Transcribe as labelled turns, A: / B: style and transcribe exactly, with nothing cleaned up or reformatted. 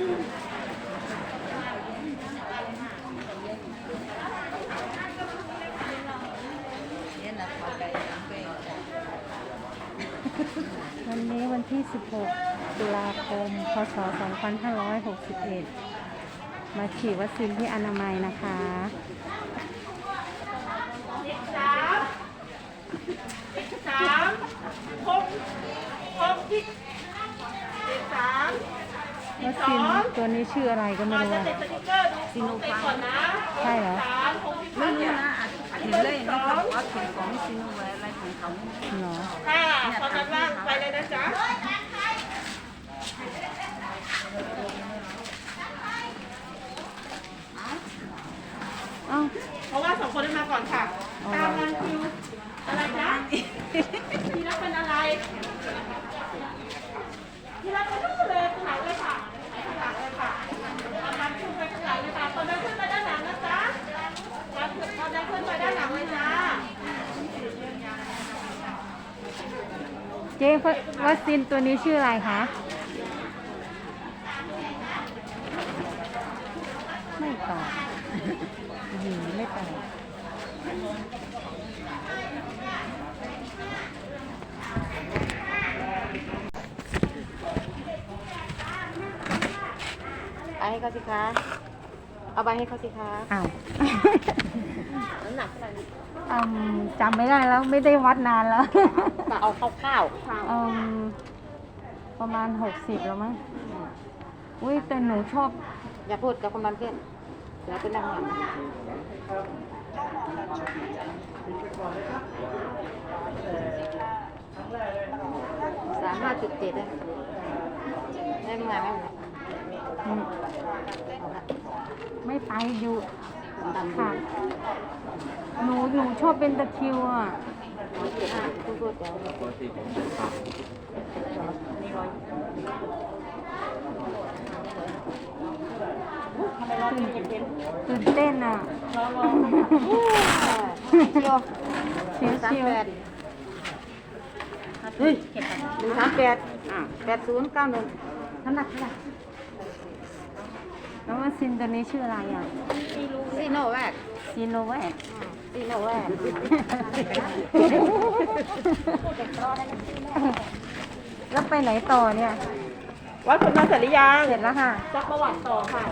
A: วันนี้วันที่ สิบหก ตุลาคม พ.ศ. สองพันห้าร้อยหกสิบเอ็ด มาฉีดวัคซีนที่อนามัยนะคะ
B: สามสามหกหกที่สาม
A: วัคซีนตัวนี้ชื่ออะไรก็ไม่รู้อะ
B: ซีโนฟาร์มนะ
A: ใช่เหรอ
B: ไม่รู้นะเห็นเลยนะครับว่าถึงของซีโนแวร์อะไรของเขา
A: เหรอ
B: ค่ะตอนนั้นว่างไปเลยนะจ๊ะ
A: อ้าว
B: เพราะว่าสองคนได้มาก่อนค่ะตามรันคิวอะไรจ๊ะที่รักเป็นอะไรที่รักเป็นลูกเลยข้างหลังเลยค่ะข้างหลังเลยค่ะตามรันคิวไปข้างหลังเลยค่ะตอนนั้นขึ้นไปด้านหลังนะจ๊ะตอนนั้นขึ้นไปด้านหลังเลยจ้า
A: เจ๊วัคซีนตัวนี้ชื่ออะไรคะไม่ตอบหืมไม่ตอบ
C: เอาให้เขาสิคะเอาไปให้เขาสิคะ
A: อ้าว
C: น้ำหนักเท่าไหร่
A: อืมจำไม่ได้แล้วไม่ได้วัดนานแล้ว
C: มาเอาข้าว
A: อืมประมาณหกสิบแล้วมั้งอุ้ยแต่หนูชอบ
C: ๆอย่าพูดกับคนมันเพื่อนเดี๋ยวไปนั่งหลังสามห้าจุดเจ็ดเลยได้ยังไงไหม
A: อืมไม่ไปอยู่ค่ะหนูหนูชอบเป็นตะคริวอ่ะ
C: เจ็ดห้าพูดๆเดี๋ยว
A: ตื่นเต้นอ่ะ
C: เชียว
A: เชียว
C: สาม
A: เชียว
C: แปดเฮ้ยหนึ่งสามแปดแปดศูนย์เก้าหนึ่งน้ำหนักเท่าไหร่
A: แล้ววัคซีนตัวนี้ชื่ออะไรอ่ะ
C: ซีโนแวค
A: ซีโนแวค
C: ซีโนแวค
A: แล้วไปไหนต่อเนี่ย
B: วัดผลมาเสร็จหรือยัง
A: เสร็จแล้วค่ะ
B: จักประวัติต่อค่ะ